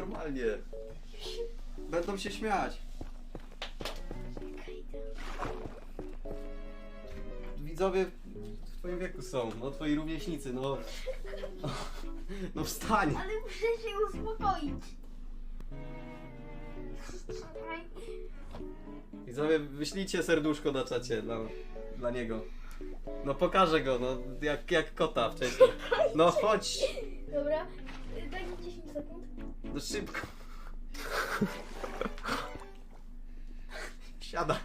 normalnie. Będą się śmiać. Widzowie w twoim wieku są, no twoi rówieśnicy, no. No wstań. Ale muszę się uspokoić. Widzowie, wyślijcie serduszko na czacie dla niego. No pokażę go, no jak kota wcześniej. No chodź. Dobra, daj mi 10 sekund. No szybko. Siada.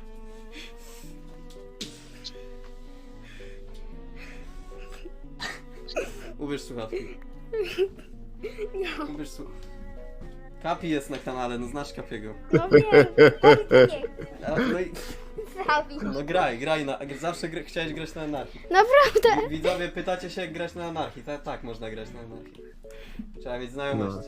Ubierz słuchawki. Ubierz słuchawki. Kapi jest na kanale, no znasz Kapiego. No wiem, Dawid nie. No i... Dawid. No graj, zawsze chciałeś grać na anarchii. Naprawdę? Widzowie pytacie się jak grać na anarchii, tak można grać na anarchii. Trzeba mieć znajomość.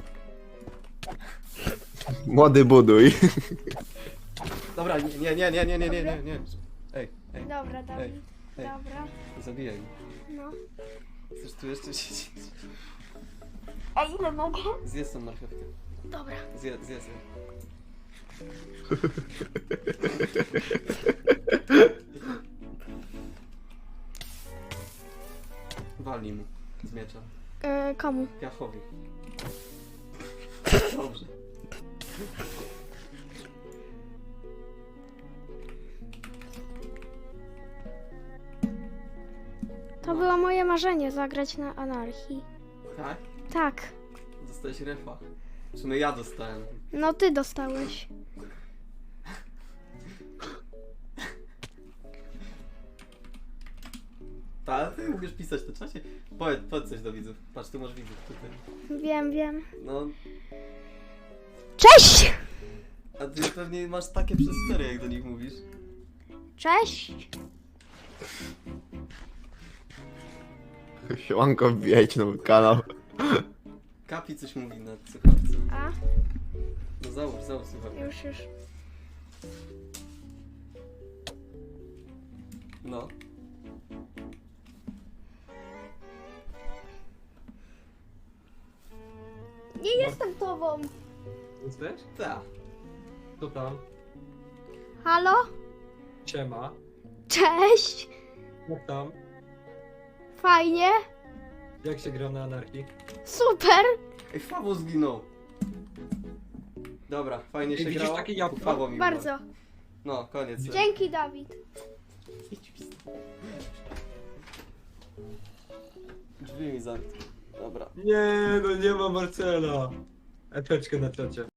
Młody buduj. Dobra, nie. Ej, Dobra, Dawid. Ej. Dobra. nie zabijaj mnie. No. Chcesz tu jeszcze siedzieć? A ile mogę? Zjedz tą marchewkę. Dobra. Zjedz. Walnij mu z miecza. Komu? Piachowi. Dobrze. To było moje marzenie, zagrać na anarchii. Tak? Tak. Dostałeś refa. W sumie ja dostałem. No ty dostałeś. Tak? Ty umiesz pisać na czacie? Powiedz coś do widzów. Patrz, tu masz widzów tutaj. Wiem. No, Cześć! a ty pewnie masz takie przestery, jak do nich mówisz. Cześć! Siemanko, wbijajcie nowy kanał. Kapi coś mówi na słuchawce. A? No załóż słuchawkę. Już. No. Nie jestem tobą. Jesteś? Tak. Co tam? Halo? Siema. Cześć! Jak tam? Fajnie? Jak się gra na anarchii? Super! Ej, Fawo zginął. Dobra, fajnie się widzisz grało. takie jabłko? Fawo mi Bardzo. umarł. No, koniec. Dzięki, Dawid. Drzwi mi zamknął. Dobra. Nie, no nie ma Marcela. Epeczkę na czacie.